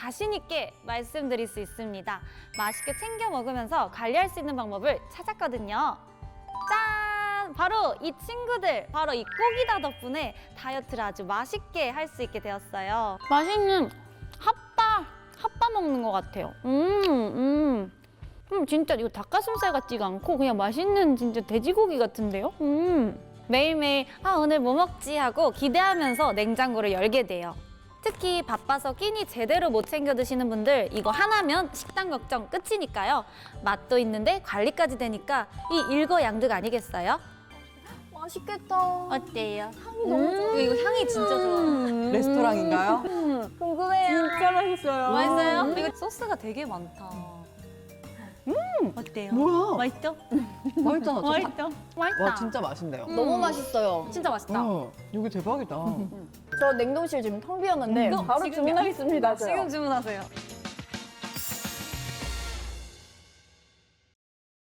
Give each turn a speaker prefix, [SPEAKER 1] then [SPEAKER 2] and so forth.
[SPEAKER 1] 자신 있게 말씀드릴 수 있습니다. 맛있게 챙겨 먹으면서 관리할 수 있는 방법을 찾았거든요. 짠! 바로 이 친구들, 바로 이 꼬기다 덕분에 다이어트를 아주 맛있게 할 수 있게 되었어요. 맛있는 핫바 먹는 것 같아요. 진짜 이거 닭가슴살 같지가 않고 그냥 맛있는 진짜 돼지고기 같은데요? 매일매일 오늘 뭐 먹지 하고 기대하면서 냉장고를 열게 돼요. 특히 바빠서 끼니 제대로 못 챙겨 드시는 분들 이거 하나면 식단 걱정 끝이니까요. 맛도 있는데 관리까지 되니까 이 일거양득 아니겠어요?
[SPEAKER 2] 맛있겠다.
[SPEAKER 1] 어때요?
[SPEAKER 2] 향이 너무 좋아.
[SPEAKER 1] 이거 향이 진짜 좋아.
[SPEAKER 3] 레스토랑인가요?
[SPEAKER 2] 궁금해요.
[SPEAKER 3] 진짜 맛있어요.
[SPEAKER 1] 맛있어요? 이거 소스가 되게 많다. 어때요?
[SPEAKER 3] 뭐야?
[SPEAKER 1] 맛있죠?
[SPEAKER 3] 맛있잖아.
[SPEAKER 1] 맛있죠? 맛있다.
[SPEAKER 3] 와 진짜 맛있네요.
[SPEAKER 2] 너무 맛있어요.
[SPEAKER 1] 진짜 맛있다.
[SPEAKER 3] 여기 대박이다.
[SPEAKER 2] 저 냉동실 지금 텅 비었는데 바로
[SPEAKER 1] 지금이야.
[SPEAKER 2] 주문하겠습니다. 저요.
[SPEAKER 1] 지금 주문하세요.